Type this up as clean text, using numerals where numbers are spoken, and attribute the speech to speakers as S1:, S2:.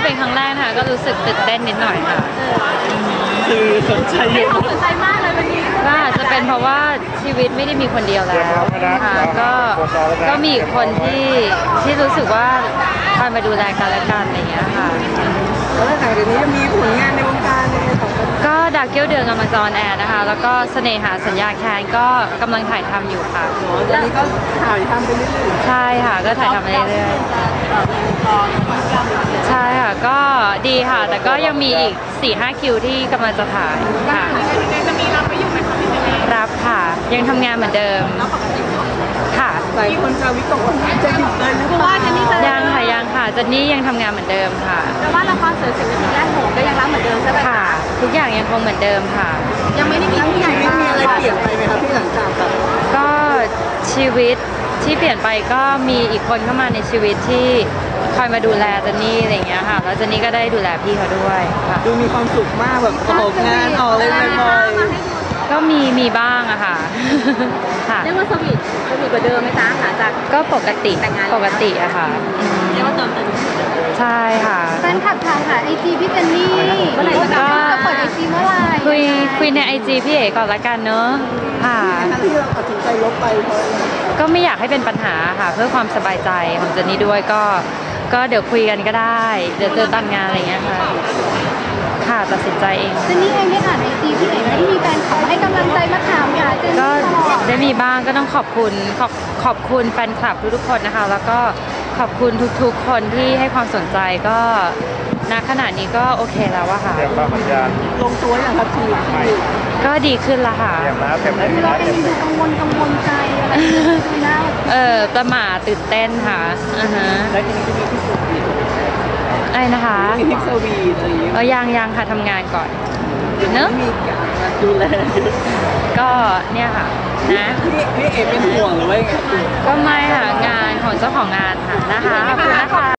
S1: เป็นครั้งแรกค่ะก็รู้สึกตื่นเต้นนิดหน่อยค่ะ
S2: คือสนใจเยอะ
S3: สนใจมากเลยวันนี้
S1: ก็อาจจะเป็นเพราะว่าชีวิตไม่ได้มีคนเดียวแล้วค่ะก็มีคนที่รู้สึกว่าคอยมาดูแลกันและกันอะไรอย่างเงี้ยค่ะ
S2: แล้วหลังจากนี้จะมีผลงานในวงการอะไรต่อไป
S1: ก็ดาวเกี้ยวเดือนกำลังจะออนแอร์นะคะแล้วก็เสน่หาสัญญาแคนก็กำลังถ่ายทำอยู่ค่ะ
S2: ตอนนี้ก็ถ่ายทำไปเรื่อย
S1: ๆใช่ค่ะก็ถ่ายทำไปเรื่อยๆใช่ค่ะก็ดีค่ะแต่ก็ยังมีอีก 4-5 คิวที่กำลังจะถ่ายค่ะ
S3: จะมีรับไปอยู่ไหมคะพี่เจนนี่
S1: รับค่ะยังทำงานเหมือนเดิมค่ะ
S2: หลายคนจะวิตกว่าจะหยุดเลยหรือเปล่า
S1: ยังค่ะเจนนี่ยังทำงานเหมือนเดิมค่ะ
S3: แต่ว่าละครเสือ10 นาทีแรกโหก็ยังรับเหมือนเดิมใช่ไหม
S1: ค่ะทุกอย่างยังคงเหมือนเดิมค่ะ
S3: ยังไม่ได้มีที่ไหน
S2: ไม่มีอะไรเปลี่ยนไปไหมครับพี่หลังจากแบบ
S1: ก็ชีวิตที่เปลี่ยนไปก็มีอีกคนเข้ามาในชีวิตที่คอยมาดูแลเจนนี่อะไรอย่างเงี้ยค่ะแล้วเจนนี่ก็ได้ดูแลพี่เขาด้วยค่ะ
S2: ดูมีความสุขมากแบบออกงานออกอะไรบ่อยๆ
S1: ก็มีบ้างอะค่ะ
S3: เรียกว่าสวีทกว่าเดิมไหมจ๊ะหลังจาก
S1: ก็ปกติอะค่ะ
S3: เรียกว่าเติมเต็ม
S1: ใช่ค่ะ
S3: แฟนคลับถามหาไอจีพี่เจนนี่เมื่อไหร่จะเปิดไอจีเมื่อไหร่
S1: คุยในไอจีพี่เอ๋ก่อนละกันเนอะค่ะ
S2: ที่เราตัดสินใจลบไปเพราะ
S1: ก็ไม่อยากให้เป็นปัญหาค่ะเพื่อความสบายใจของเจนนี่ด้วยก็เดี๋ยวคุยกันก็ได้เดี๋ยวเจอตามงานอะไรเงี้ยค่ะตัดสินใจเอง
S3: เจนนี่เองได้อ่านไอจีพี่เอ๋ที่มีแฟนคลับให้กำลังใจมาถามหาเจนนี่ตลอด
S1: ได้มีบ้างก็ต้องขอบคุณแฟนคลับทุกคนนะคะแล้วก็ขอบคุณทุกๆคนที่ให้ความสนใจก็ณขณะนี้ก็โอเคแล้วอะค่ะ
S2: ลงตัวอย่างครับที
S1: ก็ดีขึ้นละค่ะ
S3: เราเองดูกังวลใจอะไรนะ
S1: ประหม่าตื่นเต้นค่ะ
S2: แล้วทีนี้จะมีที่สุด
S1: อะไรนะคะ
S2: มีทิปสวีทอะไรอย่างเงี้ย
S1: ยังค่ะทำงานก่อนเนอะ
S2: มีการดูแล
S1: ก็เนี่ยค่ะนะ
S2: พี่เอ๋เป็นห่วงหรือว่าไง
S1: ก็ไม่ค่ะงานของเจ้าของงานค่ะนะคะขอบคุณนะคะ